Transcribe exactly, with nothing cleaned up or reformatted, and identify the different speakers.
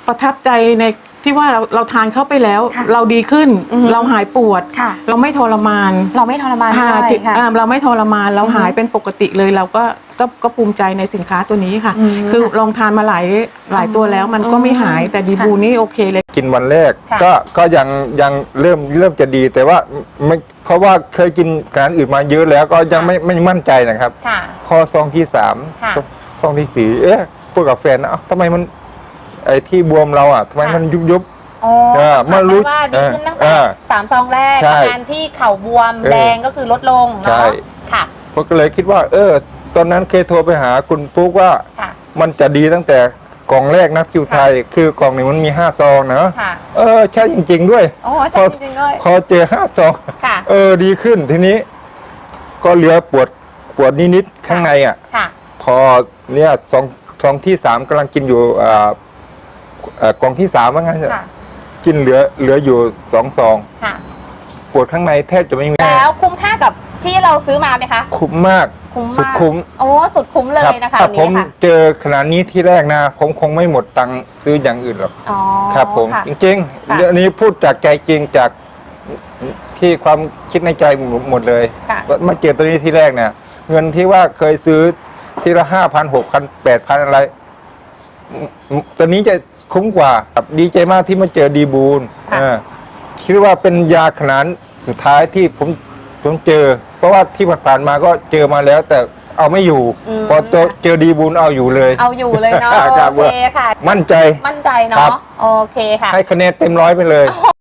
Speaker 1: ประทับใจในที่ว่าเราเราทานเข้าไปแล้ว เราดีขึ้นเราหายปวดเราไม่ทรมาน
Speaker 2: เราไม่ทรมานด้วยค่ะ
Speaker 1: เราไม่ทรมานเราหายเป็นปกติเลยเราก็ก็ก็ภูมิใจในสินค้าตัวนี้ค่ะคือลองทานมาหลายหลายตัวแล้วมันก็ไม่หายแต่ดีบูนี่โอเคเลย
Speaker 3: กินวันแรกก็ก็ยังยังเริ่มเริ่มจะดีแต่ว่าไม่เพราะว่าเคยกินอาหารอื่นมาเยอะแล้วก็ยังไม่ไม่มั่นใจนะครับพอซองที่สามซองที่สี่เอ๊ะพูดกับแฟนนะทำไมมันไอ้ที่บวมเราอ่ะทำไมมันยุบยุบ
Speaker 2: อ๋อเมื่อรู้ว่าดีขึ้นตั้งแต่สามซองแรกอาการที่เข่าบวมแดงก็คือลดลงเนาะค่ะ
Speaker 3: ผมก็เลยคิดว่าเออตอนนั้นเคยโทรไปหาคุณปุ๊กว่ามันจะดีตั้งแต่กล่องแรกนะคิวไทยคือกล่องหนึ่งมันมีห้าซองนะเออใช่จริงๆด้วย
Speaker 2: โอ้ใช่จริงๆด้วย
Speaker 3: พอเจอห้าซองเออดีขึ้นทีนี้ก็เหลือปวดปวดนิดๆข้างในอ่ะพอเนี่ยซองซองที่สามกำลังกินอยู่อ่ากล่องที่สามว่างั้นกินเหลือเหลืออยู่สองซองปวดข้างในแทบจะไม่มี
Speaker 2: แล้วคุ้มค่ากับที่เราซื้อมาไหมคะ
Speaker 3: คุ้มมากสุดคุ้ม
Speaker 2: โอ้สุดคุ้มเลยนะคะ
Speaker 3: ถ้าผมเจอขนาดนี้ที่แรกนะผมคงไม่หมดตังค์ซื้ออย่างอื่นหรอกครับผมจริงๆเรื่องนี้พูดจากใจจริงจากที่ความคิดในใจหมดเลยมาเจอตัวนี้ที่แรกเนี่ยเงินที่ว่าเคยซื้อทีละห้าพันหกพันแปดพันอะไรตัวนี้จะคุ้มกว่าดีใจมากที่มาเจอดีบูลคิดว่าเป็นยาขนาดสุดท้ายที่ผมผมเจอเพราะว่าที่ผ่านมาก็เจอมาแล้วแต่เอาไม่อยู่พอเจอดีบูลเอาอยู่เลย
Speaker 2: เอาอยู่เลยเนาะโอเคค่ะ
Speaker 3: มั่นใจ
Speaker 2: มั่นใจเนาะโอเคค่ะ
Speaker 3: ให้คะแนนเต็มร้อยไปเลย